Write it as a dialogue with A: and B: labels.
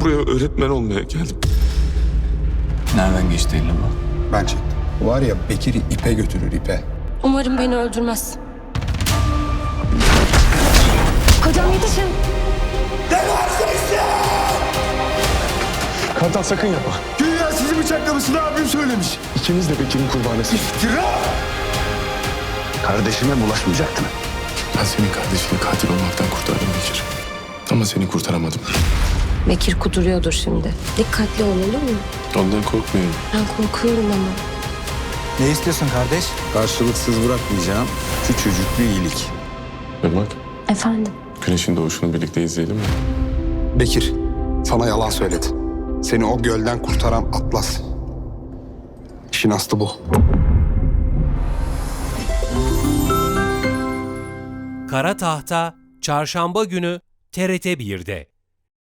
A: Ben buraya öğretmen olmaya geldim.
B: Nereden geçti eline bu?
C: Ben çektim. Var ya Bekir'i ipe götürür ipe.
D: Umarım beni öldürmez. Kocam yetişin.
A: Kartal sakın yapma.
C: Güya sizi bıçaklamasını abim söylemiş.
A: İkiniz de Bekir'in kurbanısınız.
C: İftira!
B: Kardeşime bulaşmayacaktın.
A: Ben senin kardeşini katil olmaktan kurtardım Bekir. Ama seni kurtaramadım.
D: Bekir kuduruyordur şimdi. Dikkatli ol, olur mu?
A: Ondan korkmuyorum.
D: Ben korkuyorum ama.
E: Ne istiyorsun kardeş?
C: Karşılıksız bırakmayacağım küçücük bir iyilik.
A: Irmak,
D: Efendim?
A: güneşin doğuşunu birlikte izleyelim mi?
C: Bekir, sana yalan söyledi. Seni o gölden kurtaran Atlas. İşin aslı bu.
F: Kara Tahta Çarşamba günü TRT 1'de.